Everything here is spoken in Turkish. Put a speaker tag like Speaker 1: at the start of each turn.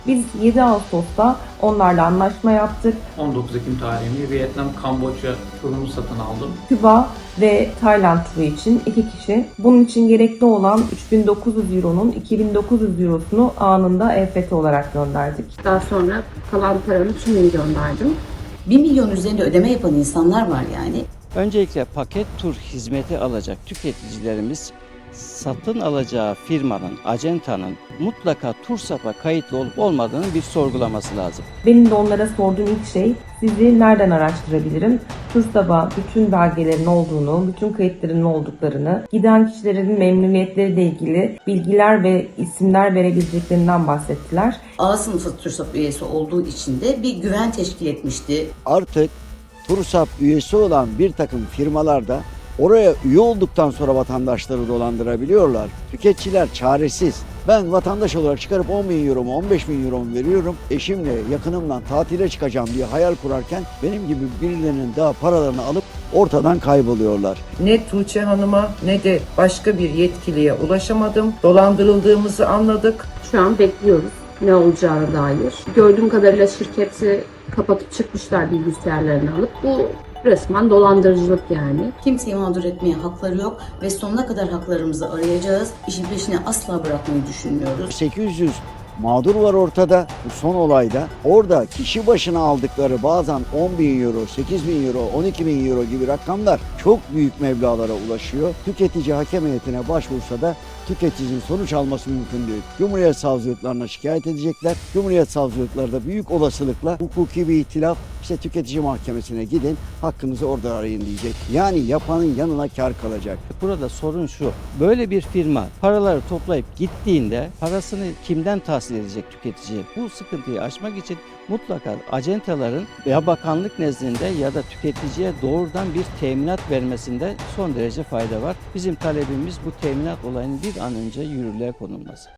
Speaker 1: Biz 7 Ağustos'ta onlarla anlaşma yaptık.
Speaker 2: 19 Ekim tarihinde Vietnam, Kamboçya turunu satın aldım.
Speaker 1: Küba ve Tayland turu için 2 kişi. Bunun için gerekli olan 3.900 Euro'nun 2.900 Euro'sunu anında EFT olarak gönderdik.
Speaker 3: Daha sonra kalan paranın tümünü gönderdim.
Speaker 4: 1 milyon üzerinde ödeme yapan insanlar var yani.
Speaker 5: Öncelikle paket tur hizmeti alacak tüketicilerimiz satın alacağı firmanın, acentanın mutlaka TURSAP'a kayıtlı olup olmadığını bir sorgulaması lazım.
Speaker 1: Benim de onlara sorduğum ilk şey, sizi nereden araştırabilirim? TURSAP'a bütün belgelerin olduğunu, bütün kayıtların olduklarını, giden kişilerin memnuniyetleriyle ilgili bilgiler ve isimler verebileceklerinden bahsettiler.
Speaker 4: A sınıfı TURSAP üyesi olduğu için de bir güven teşkil etmişti.
Speaker 6: Artık TURSAP üyesi olan bir takım firmalar da oraya üye olduktan sonra vatandaşları dolandırabiliyorlar. Tüketiciler çaresiz. Ben vatandaş olarak çıkarıp 10 bin euro mu 15 bin euro mu veriyorum. Eşimle yakınımla tatile çıkacağım diye hayal kurarken benim gibi birilerinin daha paralarını alıp ortadan kayboluyorlar.
Speaker 7: Ne Tuğçe Hanım'a ne de başka bir yetkiliye ulaşamadım. Dolandırıldığımızı anladık.
Speaker 3: Şu an bekliyoruz ne olacağına dair. Gördüğüm kadarıyla şirketi kapatıp çıkmışlar bilgisayarlarını alıp. Bu resmen dolandırıcılık yani.
Speaker 4: Kimseyi mağdur etmeye hakları yok ve sonuna kadar haklarımızı arayacağız. İşin peşine asla bırakmayı düşünmüyoruz.
Speaker 6: 800 mağdur var ortada bu son olayda. Orada kişi başına aldıkları bazen 10 bin euro, 8 bin euro, 12 bin euro gibi rakamlar çok büyük meblağlara ulaşıyor. Tüketici hakem heyetine başvursa da tüketicinin sonuç alması mümkün değil. Cumhuriyet savcılıklarına şikayet edecekler. Cumhuriyet savcılıkları da büyük olasılıkla hukuki bir ihtilaf, işte tüketici mahkemesine gidin, hakkınızı orada arayın diyecek. Yani yapanın yanına kar kalacak.
Speaker 5: Burada sorun şu, böyle bir firma paraları toplayıp gittiğinde parasını kimden tahsil edecek tüketici? Bu sıkıntıyı aşmak için mutlaka acentaların ya bakanlık nezdinde ya da tüketiciye doğrudan bir teminat vermesinde son derece fayda var. Bizim talebimiz bu teminat olayının bir an önce yürürlüğe konulması.